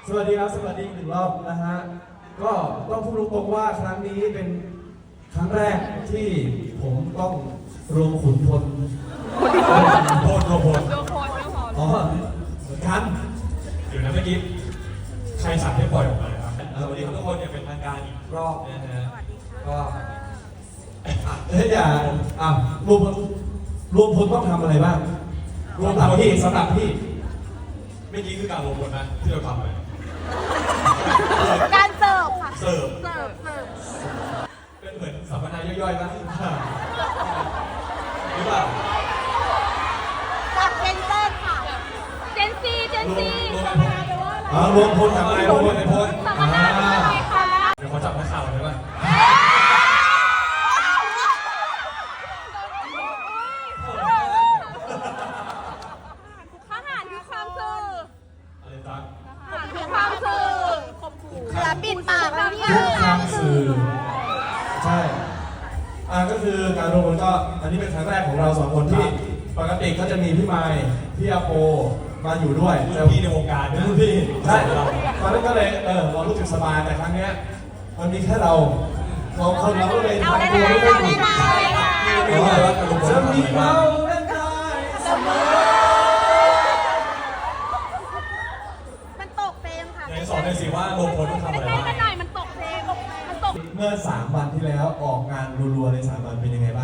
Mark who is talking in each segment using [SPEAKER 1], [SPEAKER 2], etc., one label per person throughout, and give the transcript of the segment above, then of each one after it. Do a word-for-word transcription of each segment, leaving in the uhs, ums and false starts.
[SPEAKER 1] สวัสดีครับสวัสดีอีกหนึ่งรอบนะฮะก็ต้องพูดตรงๆว่าครั้งนี้เป็นครั้งแรกที่ผมต้องรวมขุนพลโพลรวมพลอ๋อเหมือนกันเดี๋ยวนะเมื่อกี้ใครสั่งให้ปล่อยออกมาครับสวัสดีทุกคนอย่างเป็นทางการอีกรอบนะฮะก็เฮ้ยอย่าอ่ะรวมพลรวมพลต้องทำอะไรบ้างรวมสำหรับพี่สำหรับพี่เมื่อกี้คือการรวมพลนะที่เราทำไป
[SPEAKER 2] การเสิร์ฟค่ะ
[SPEAKER 1] เสิร์ฟ
[SPEAKER 2] เสิร์ฟเสิร์ฟ
[SPEAKER 1] เป็นเหมือนสัมมนาย่อยๆป่ะหรือเปล่า
[SPEAKER 2] กับเจนเซนค่ะเจนซีเจนซีสัมมนาแปลว่าอะไร
[SPEAKER 1] อ๋อรวมพลทำอะไรรวมพลในพล
[SPEAKER 2] สัมมนาเป็นอะไรคะ
[SPEAKER 1] เดี๋ยวขอจับนักข่าวเลยป่ะ
[SPEAKER 2] ทหารคือความสื่อ
[SPEAKER 1] อะไรตั้ง
[SPEAKER 2] ทหารคือความสื่อเหลือปิดปากแล้วเนี่ย
[SPEAKER 1] ความสื่อใช่อ่าก็คือการรวมพลก็อันนี้เป็นครั้งแรกของเราสองคนที่ปกติก็จะมีพี่ไมค์พี่อาโปมาอยู่ด้วยพี่ในวงการนะพี่ใช่ตอนนั้นก็เลยเออเรารู้สึกสบายแต่ครั้งนี้มันมีแค่เราสองคนเราก็เลยทำตัวไม่ได้ถูกจะมีเราได้เสมอ
[SPEAKER 2] มันตกเพลงค่ะ
[SPEAKER 1] ไหนสอนหน่อยสิว่ารวมพลต้องทำอะไรบ้าง
[SPEAKER 2] กันหน่อยมันตกเพลงมันตก
[SPEAKER 1] เมื่อสามวันที่แล้วออกงานรัวๆในสามวันเป็นยังไงบ้าง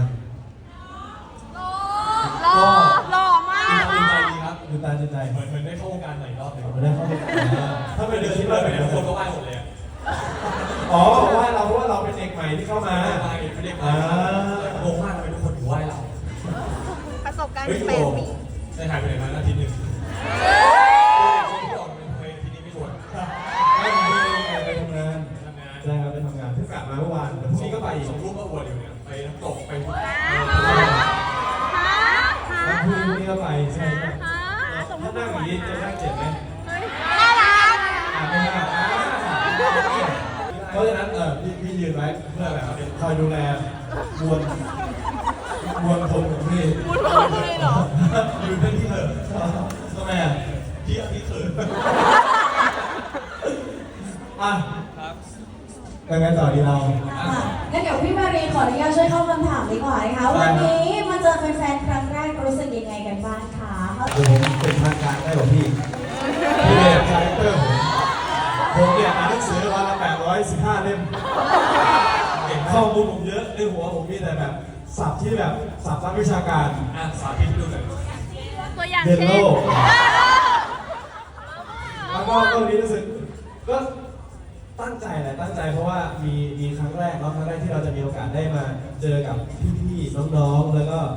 [SPEAKER 2] หล่อหล่อมาก
[SPEAKER 1] ตื่นใจดีครับตื่นตาตื่นใจเหมือนเหมือนได้เข้าวงการใหม่รอบหนึ่งเหมือนได้เข้าวงการถ้าเป็นเดือนที่เราไปเนี่ยคนก็ไหว้หมดเลยอ๋อไหว้เราเพราะว่าเราเป็นเด็กใหม่ที่เข้ามาไหว้เป็นเด็กใหม่งงมากทำไมทุกคนถึงไหว้เรา
[SPEAKER 2] ประสบการณ์แปดปี
[SPEAKER 1] ได้หายไปไหนมาอาทิตย์หนึ่งที่ออกเป็นเพลงที่นี่ไม่ชวนไม่ไปทำงานใช่ครับไปทำงานเพิ่งกลับมาเมื่อวานพรุ่งนี้ก็ไปสองรูปก็อวดอยู่เนี่ยไปน้ำตกไปทุกพรุ่งนี้ก็ไปใช่ไหมถ้านั่งอย่างนี้จะนั่งเจ็บไหม
[SPEAKER 2] น่ารัก
[SPEAKER 1] ไม่น่าเพราะฉะนั้นเออพี่พี่ยืนไว้เพื่ออะไรครับคอยดูแลมวลมวลคนของพี่
[SPEAKER 2] มวลคนเลยเหรอ
[SPEAKER 1] ยืนเป็นที่เถอะทำไมอ่ะพี่พี่เขินอ่ะครับยังไงต่อดีเรา
[SPEAKER 3] งั้นเดี๋ยวพี่มารีขออนุญาตช่วยเข้าคำถามดีกว่านะคะวันนี้มาเจอแฟนๆครั้งแรกรู้สึกยังไงกันบ้างคะ
[SPEAKER 1] ผมเป็นทางการได้หรอพี่พี่เนี่ยคาแรคเตอร์ผมเนี่ยอ่านหนังสือวันละแปดร้อยสิบห้าเล่มเก่งข้อมูลผมเยอะในหัวผมมีแต่แบบศัพท์ที่แบบศัพท์ทางวิชาการอ่ะสาธิตให้ดูหน่อย
[SPEAKER 2] ตัวอย่าง
[SPEAKER 1] เช่น
[SPEAKER 2] เช่น
[SPEAKER 1] แล้วก็ตรงนี้รู้สึกก็ตั้งใจแหละตั้งใจเพราะว่ามีมีครั้งแรกเนาะครั้งแรกที่เราจะมีโอกาสได้มาเจอกับพี่ๆน้องๆแล้วก็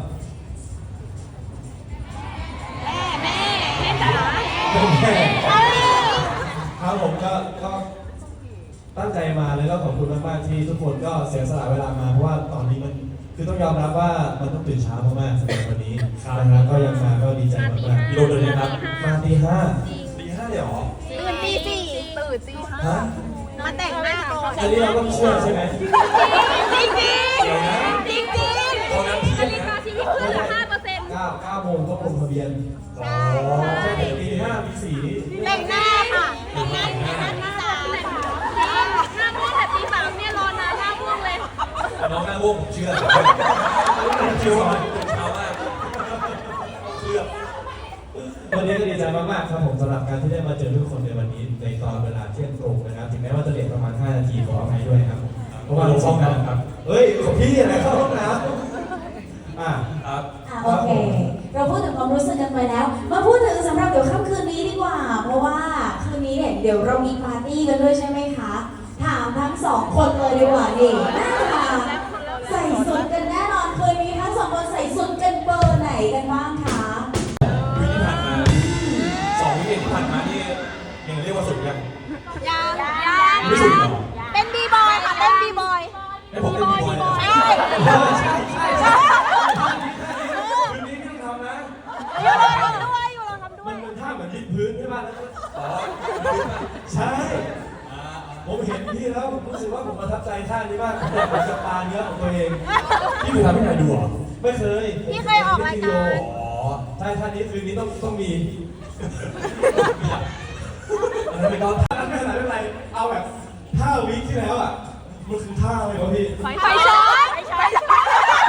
[SPEAKER 2] แม่แม่แม่จ๋า
[SPEAKER 1] แม่ครับผมก็ก็ตั้งใจมาเลยก็ขอบคุณมากๆที่ทุกคนก็เสียสละเวลามาเพราะว่าตอนนี้มันคือต้องยอมรับว่ามันต้องตื่นเช้ามากๆสำหรับวันนี้นะครับก็ยังมาก็ดีใจมากๆกิโลเดินเลยครับมาตีห้าตีห้าเลยหรอ
[SPEAKER 2] ตื่นตีสี่ตื่นตีห้ามาแต่งหน้าก่อน
[SPEAKER 1] อันนี้เราต้องเชื่อใช่ไหม
[SPEAKER 2] จริงจริงจริงจริงนาฬิกาชีวิตเพื่อนละห้าเปอร์เซ็นต์
[SPEAKER 1] เก้าเก้าโมงก็ลงทะเบียน
[SPEAKER 2] ใช่ใช่
[SPEAKER 1] ตีห้าตีสี่
[SPEAKER 2] แต่งหน้าค่ะแต่งหน้าแต่งหน้าตีสามหน้าม่วงแต่ตีสามเนี่ยรอนานหน้าม่วงเลย
[SPEAKER 1] น้องหน้าม่วงผมเชื่อผมเชื่อว่าตื่นเช้ามากเชื่อวันนี้ก็ดีใจมากๆครับผมสำหรับการที่ได้มาเจอทุกคนในวันนี้ในตอนเวลาเที่ยงตรงนะครับถึงแม้ว่าจะเลทประมาณห้านาทีขออภัยด้วยครับเพราะว่าลงห้องน้ำครับเฮ้ยของพี่อะไรเข้าห้องน้ำอ่ะครับ
[SPEAKER 3] โอเคเราพูดถึงความรู้สึกกันไปแล้วมาพูดถึงสำหรับเดี๋ยวค่ำคืนนี้ดีกว่าเพราะว่าคืนนี้เนี่ยเดี๋ยวเรามีปาร์ตี้กันด้วยใช่ไหมคะถามทั้งสองคนเลยดีกว่าดิน่าใส่สุดกันแน่นอนคืนนี้ทั้งสองคนใส่สุดกันเบอร์ไหนกันบ้างคะ
[SPEAKER 1] วิธีผ่านมาสองวิธีผ่านมานี่ยังเรียกว่าสุดยัง
[SPEAKER 2] ยังยัง
[SPEAKER 1] ไม่สุดหรอ
[SPEAKER 2] เป็นบีบอยค่ะเป็นบีบอย
[SPEAKER 1] ให้ผมเป็นบีบอยเหรอ
[SPEAKER 2] ใช่ใช่ใช่ใช่
[SPEAKER 1] คืนนี้พี่ทำนะ
[SPEAKER 2] อยู่เราทำด้วยอยู่เราทำด้วย
[SPEAKER 1] มันเป็นท่าเหมือนยืดพื้นใช่ป่ะอ๋อใช่ผมเห็นพี่แล้วผมรู้สึกว่าผมประทับใจท่านี้มากผมอยากจะปาเนื้อของตัวเองพี่เคยทำให้ใครดูเหรอไม่เคย
[SPEAKER 2] พี่เคยออกรายการ
[SPEAKER 1] อ๋อใช่ท่านี้คืนนี้ต้องต้องมีอะไรไปก่อนเอาแบบท่าวิที่แล้วอ่ะมันคือท่าอะไรวะพี่
[SPEAKER 2] ไฟช็อตไฟช็อต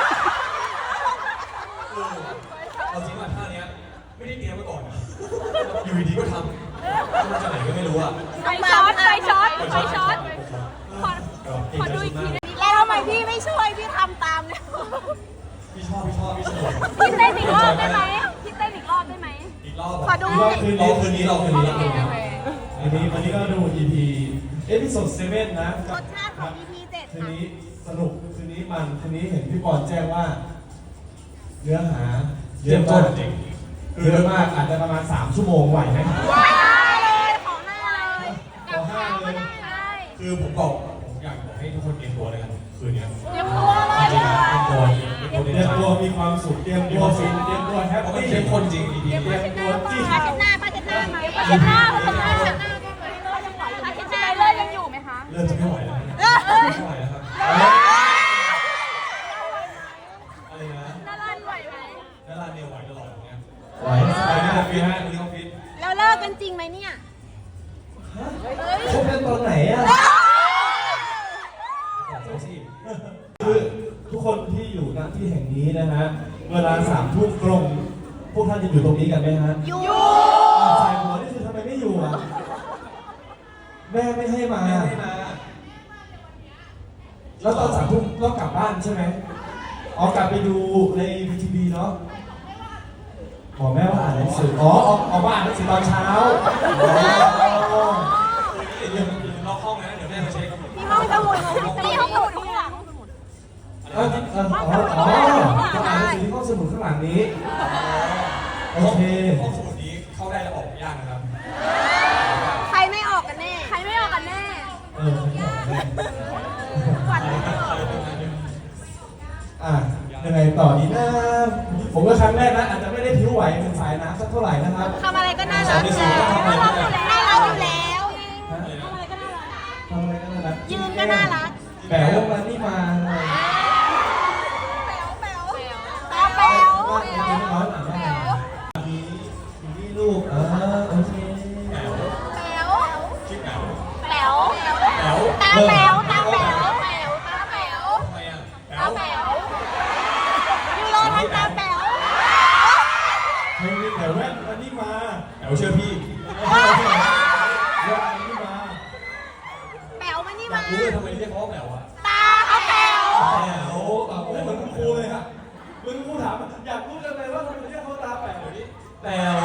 [SPEAKER 1] เออเอาจริงว่าท่าเนี้ยไม่ได้เตรียมมาก่อนนะอยู่ดีๆก็ทำมาจากไหนก็ไม่รู้อ่ะ
[SPEAKER 2] ไฟช็อตไฟช็อตไฟช็อตขอขอดูอีกทีนึงแล้วทำไมพี่ไม่ช่วยพี่ทำตามเนี่ย
[SPEAKER 1] พี่ชอบพี่ชอบพี่สนุก
[SPEAKER 2] พี่เต้นอีกรอบได้ไหมพี่เต้นอีกรอบได้ไหม
[SPEAKER 1] อีกรอบ
[SPEAKER 2] ขอดู
[SPEAKER 1] รอบคืนนี้คืนนี้เราคืนนี้เราคืนนี้อันนี้วันนี้ก็ดู อี พี เอพิโซดเซเว่นนะ
[SPEAKER 2] รสชาติของ อี พี เจ็ด
[SPEAKER 1] คืนนี้สนุกคืนนี้มันคืนนี้เห็นพี่ปอนแจ้งว่า เนื้อหาเยอะมากเยอะมากอาจจะประมาณสามชั่วโมงไหวไหม
[SPEAKER 2] ว้าวเลยของหน้าเลยกับข้าวก็ได้ใช่
[SPEAKER 1] คือผมบอกผมอยากบอกให้ทุกคนเตรียมตัวเลยกันคืนนี้
[SPEAKER 2] เตรียมตัวเลย
[SPEAKER 1] จริงๆเตรียมตัวเตรียมตัวมีความสุขเตรียมตัวฟินเตรียมตัวแฮปปี้เตรียมคนจริง อี พี เตรียมตัวจริง
[SPEAKER 2] ผ้าเช็ดหน้าผ้าเช็ดหน้าไหมผ้าเช็ดหน้าผ้าเช็ดหน้าผ้าเช็ดหน้าผ้าเช็ดหน้าเลยยังอยู่ไหมคะ
[SPEAKER 1] เริ่มจะไม่ไหวแล้วนะไม่ไหวแล้วครับอะไรนะ
[SPEAKER 2] น่ารันไหวไหม
[SPEAKER 1] นาราเนี่ยไหวตลอดอย่างเงี้ยไหวไปนะฟิตฮะวันนี้เขาฟิต
[SPEAKER 2] แล้วเลิกกันจริงไหมเนี่ย
[SPEAKER 1] คบกันตอนไหนอ่ะคือทุกคนที่อยู่ณที่แห่งนี้นะฮะเวลาสามทุ่มตรงพวกท่านจะอยู่ตรงนี้กันไหมฮะ
[SPEAKER 2] อยู่
[SPEAKER 1] สายหัวนี่คือทำไมไม่อยู่อ่ะแม่ไม่ให้มาแล้วตอนสามทุ่มต้องกลับบ้านใช่ไหมอ๋อกลับไปดูในวีทีวีเนาะบอกแม่ว่าอ่านหนังสืออ๋อออกออกมาอ่านหนังสือตอนเช้าอ๋อเดี๋ยวนอกห้องนะเดี๋ยวแม่มาเช็ค
[SPEAKER 2] ที่ห้องสมุดที่ห้องสมุดที่หลัง
[SPEAKER 1] เออเอออ๋ออ๋อต้องอ่านหนังสือที่ห้องสมุดข้างหลังนี้โอเคห้องสมุดนี้เข้าได้แล้วออกยากนะครับ
[SPEAKER 2] ใครไม่ออกกันแน่ ใครไม่ออกกันแน่
[SPEAKER 1] เอออ่ะยังไงต่อดีนะผมก็ครั้งแรกนะอาจจะไม่ได้ผิวไหวเป็นสายน้ำสักเท่าไหร่นะครับ
[SPEAKER 2] ทำอะไรก็น่ารักเลยน่ารักอยู่แล้วน่ารักอยู่แล้วทำอะไรก็น่ารัก
[SPEAKER 1] ทำอะไรก็น่ารัก
[SPEAKER 2] ยืนก็น่ารัก
[SPEAKER 1] แป๋วมานี่มา
[SPEAKER 2] แป๋วแป๋วตาแป๋ว
[SPEAKER 1] ว่าจริงๆร้อนอ่ะว่ามีมีลูกเออโอเคแป๋ว
[SPEAKER 2] แป๋ว
[SPEAKER 1] ชื่อแป๋ว
[SPEAKER 2] แป๋ว
[SPEAKER 1] แป๋ว
[SPEAKER 2] ตาแป๋วตาแป๋วแป๋วตาแป๋ว
[SPEAKER 1] ทำไมอ่ะแป๋
[SPEAKER 2] ตาว แป๋วยูโรทันตาแป๋ว
[SPEAKER 1] ไม่มีแต่แว่นมานี่มาแป๋วเชื่อพี่แว่นมานี่มา
[SPEAKER 2] แป๋วมานี่
[SPEAKER 1] อยา
[SPEAKER 2] มา
[SPEAKER 1] กรู้เลยทำไมเรียกเขาว่าแป๋วอ่ะ
[SPEAKER 2] ตาเขาแป๋ว
[SPEAKER 1] แป๋วอ่ะโอ้ยเหมือนคุณครูเลยอ่ะเหมือนคุณครูถามอยากรู้จังเลยว่าทำไมเรียกเขาตาแป๋วเดี๋ยวนี้แป๋ว